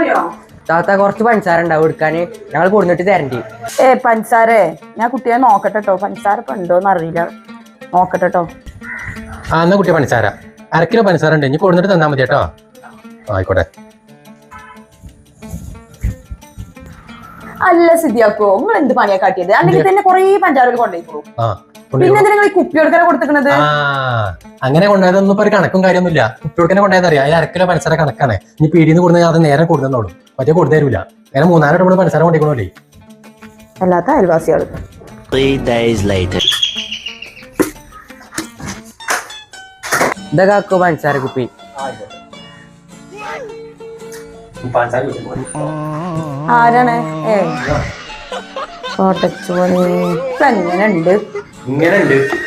താത്ത കുറച്ച് പഞ്ചസാര ഉണ്ടാവും എടുക്കാന് ഞങ്ങൾ കൊടുത്തിട്ട് തരണ്ടി. പഞ്ചസാരേ ഞാൻ കുട്ടിയെ നോക്കട്ടെട്ടോ, പഞ്ചസാര ഇപ്പൊ ഉണ്ടോന്ന് അറിയില്ല, നോക്കട്ടെട്ടോ. ആ എന്നാ കുട്ടിയെ പഞ്ചസാര 1/2 കിലോ പഞ്ചസാര ഉണ്ട്, ഇനി കൊടുത്തിട്ട് തന്നാ മതി കേട്ടോ. ആയിക്കോട്ടെ. അല്ല സിദ്ധിയാക്കോ, നിങ്ങൾ എന്ത് പണിയാ കാട്ടിയത്? അല്ലെങ്കിൽ തന്നെ കൊറേ പഞ്ചാര കൊണ്ടുപോയിക്കോളൂ. പിന്നെ നിങ്ങൾ ഈ കുപ്പി കൊടുക്കാനാ കൊടുത്തിരിക്കണത്? അങ്ങനെ കൊണ്ടുപോയതൊന്നും ഇപ്പൊ ഒരു കണക്കും കാര്യമൊന്നുമില്ല. കുട്ടികൾക്കെന്നെ കൊണ്ടുപോയതറിയാം. 1/2 കിലോ പഞ്ചസാര കണക്കാണ്. ഇനി പീടിന്ന് കൊടുത്താൽ അത് നേരെ കൊടുക്കുന്നോളൂ, മറ്റേ കൊടുത്തു തരൂല. നേരെ 3-4 വട്ടം പഞ്ചസാര കൊണ്ടിരിക്കണോല്ലേ. അല്ലാത്ത അയൽവാസികള്. 3 days later. ഇതാ കാക്കോ പഞ്ചസാര കുപ്പി. ആരാണ്? എങ്ങനെയുണ്ട്? ഇങ്ങനെ ഉണ്ട്.